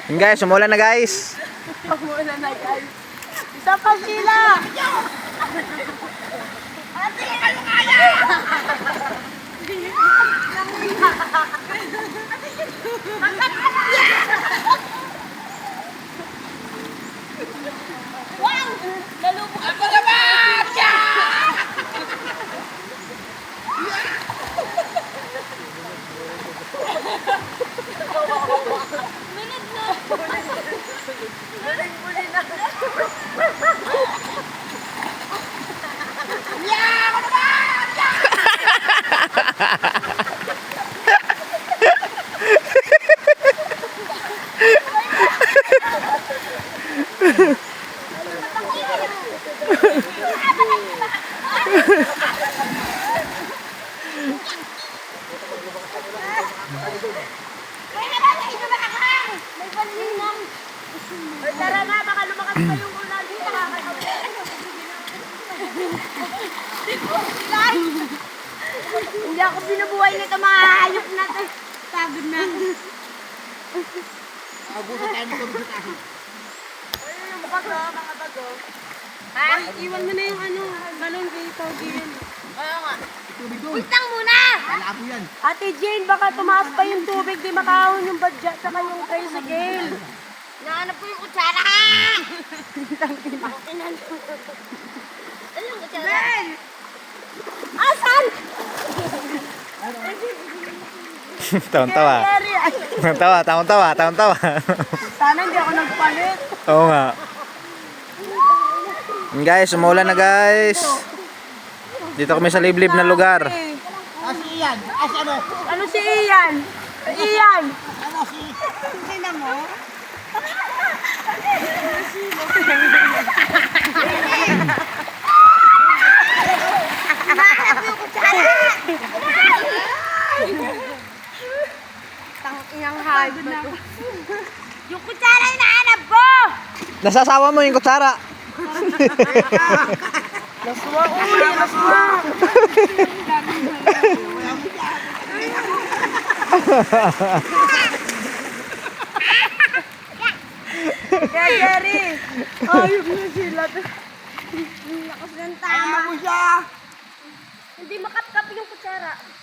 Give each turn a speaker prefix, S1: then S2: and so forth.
S1: Yun guys, umulan na guys.
S2: Umulan na guys. Isa pa sila. Ate, ano kaya? Wow! Nalubog ako naman! Minute na! Buling-buli na! Yeah! Ako naman! May palinang. Tara na, baka lumakas pa yung ulan. Hindi ako binubuhay nito, mga hayop na to. Pagod na ako.
S3: Abuso tayo ng tubig sa tahi.
S2: Ay, yung bago, mga bago. Ha? Iwan mo na yung ano, balon kay Pogi yun. Oo nga.
S3: Tubig doon.
S2: Wait lang muna!
S3: Malabo yan.
S2: Ate Jane, baka tumaas pa yung tubig, di makahon yung badya, saka yung tricycle. Nahanap ko yung kutsara ha! Ano yung kutsara? Ben! Asan?
S1: Tawang-tawa.
S2: Jerry, ay.
S1: Tawang-tawa.
S2: Sana hindi ako nagpalit.
S1: Oo nga. Yun guys, umulan na guys. Dito kami sa liblib na lugar.
S3: Si Ian. Si ano?
S2: Ano si Ian? Ian!
S3: Ano si...
S2: Tingnan mo. Hinahanap mo yung kutsara! Tanginang hagod na ako. Yung kutsara yung nahanap ko!
S1: Nasasawa mo yung kutsara.
S2: Naswa uli, naswa! Kaya Jerry! Ayok na sila. Lakas ng tama.
S3: Tama mo siya.
S2: Hindi makapkap yung kutsara.